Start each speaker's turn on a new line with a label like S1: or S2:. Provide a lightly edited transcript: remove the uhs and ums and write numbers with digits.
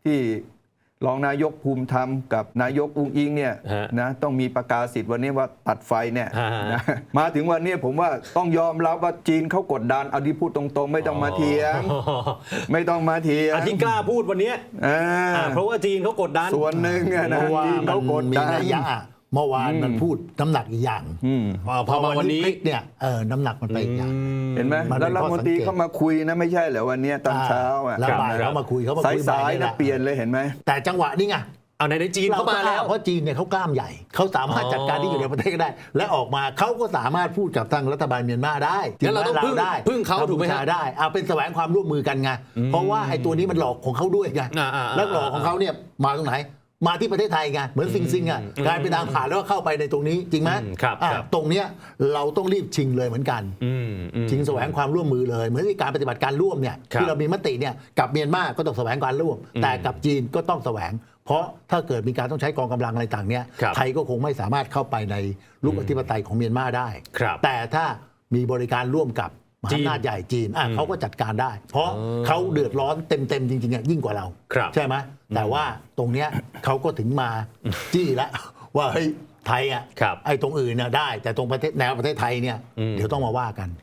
S1: ที่รองนายกภูมิธรรมกับนายกอุ้งอิงเนี่ยนะต้องมีประกาศสิทธิ์วันนี้ว่าตัดไฟเนี่ยนะมาถึงวันนี้ผมว่าต้องยอมรับว่าจีนเขากดดันเอาที่พูดตรงๆไม่ต้องมาเถียงไม่ต้องมาเถียง
S2: ที่กล้าพูดวันนี้เพราะว่าจีนเขากดดัน
S1: ส่วนหนึ่งนะจีนเขากดดัน
S3: เมื่อวานมันพูดน้ำหนักอีกอย่างพอมาวันนี้เนี่ยน้ำหนักมันไปอีกอย่าง
S1: เห็นไหมแล้วรัฐมนตรีเขามาคุยนะไม่ใช่เหรอวันนี้ตอนเช้า
S3: แล้วบ่ายเขามาคุย
S1: สายๆนะเปลี่ยนเลยเห็นไหม
S3: แต่จังหวะนี้ไง
S2: เอาในจีนเข้ามาแล้ว
S3: เพราะจีนเนี่ยเขากล้ามใหญ่เขาสามารถจัดการที่อยู่ในประเทศได้และออกมาเขาก็สามารถพูดกับทางรัฐบาลเมียนมาได้
S2: งั้นเราต้องพึ่งเขาถูกไหมฮะ
S3: ได้เป็นแสวงความร่วมมือกันไงเพราะว่าไอ้ตัวนี้มันหลอกของเขาด้วยไงแล้วหลอกของเขาเนี่ยมาตรงไหนมาที่ประเทศไทยไงเหมือนซิงอ่ะกลายเป็นทางผ่านแล้วก็เข้าไปในตรงนี้จริงไหมตรงเนี้ยเราต้องรีบชิงเลยเหมือนกันชิงแสวงความร่วมมือเลยเหมือนที่การปฏิบัติการร่วมเนี่ยที่เรามีมติเนี่ยกับเมียนมาก็ต้องแสวงการร่วมแต่กับจีนก็ต้องแสวงเพราะถ้าเกิดมีการต้องใช้กองกำลังอะไรต่างเนี่ยไทยก็คงไม่สามารถเข้าไปในลูกอธิปไตยของเมียนมาได้แต่ถ้ามีบริการร่วมกับมหาอำนาจใหญ่จีนเขาก็จัดการได้เพราะเขาเดือดร้อนเต็มจริงๆยิ่งกว่าเราใช่ไหมแต่ว่าตรงเนี้ยเขาก็ถึงมาจี้แล้วว่าเฮ้ยไทยไอ้ตรงอื่นน่ะได้แต่ตรงประเทศแนวประเทศไทยเนี่ยเดี๋ยวต้องมาว่ากัน